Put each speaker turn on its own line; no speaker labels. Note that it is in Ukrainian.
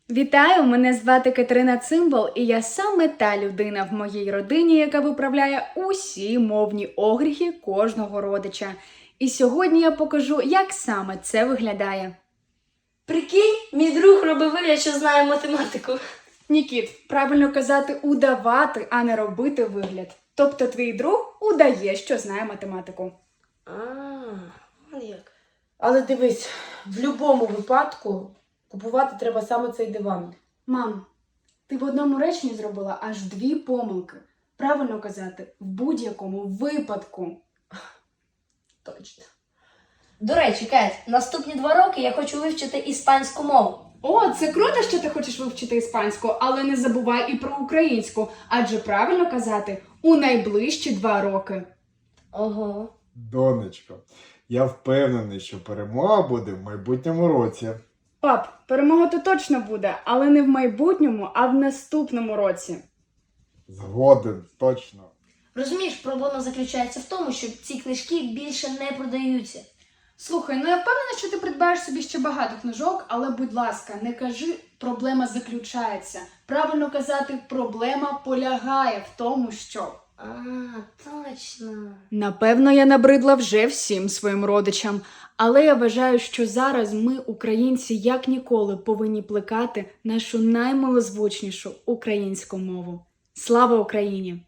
Вітаю! Мене звати Катерина Цимбал, і я саме та людина в моїй родині, яка виправляє усі мовні огріхи кожного родича. І сьогодні я покажу, як саме це виглядає.
Прикинь, мій друг робив вигляд, що знає математику.
Нікіт, правильно казати удавати, а не робити вигляд. Тобто твій друг удає, що знає математику.
Вон як.
Але дивись, в будь-якому випадку купувати треба саме цей диван.
Мам, ти в одному реченні зробила аж 2 помилки. Правильно казати в будь-якому випадку.
Точно.
До речі, Кать, наступні 2 роки я хочу вивчити іспанську мову.
О, це круто, що ти хочеш вивчити іспанську, але не забувай і про українську, адже правильно казати у найближчі 2 роки.
Ого.
Донечко, я впевнений, що перемога буде в майбутньому році.
Пап, перемога то точно буде, але не в майбутньому, а в наступному році.
Згоден, точно.
Розумієш, проблема заключається в тому, що ці книжки більше не продаються.
Слухай, я впевнена, що ти придбаєш собі ще багато книжок, але, будь ласка, не кажи «проблема заключається». Правильно казати «проблема полягає в тому, що».
Точно.
Напевно, я набридла вже всім своїм родичам, але я вважаю, що зараз ми, українці, як ніколи повинні плекати нашу наймилозвучнішу українську мову. Слава Україні!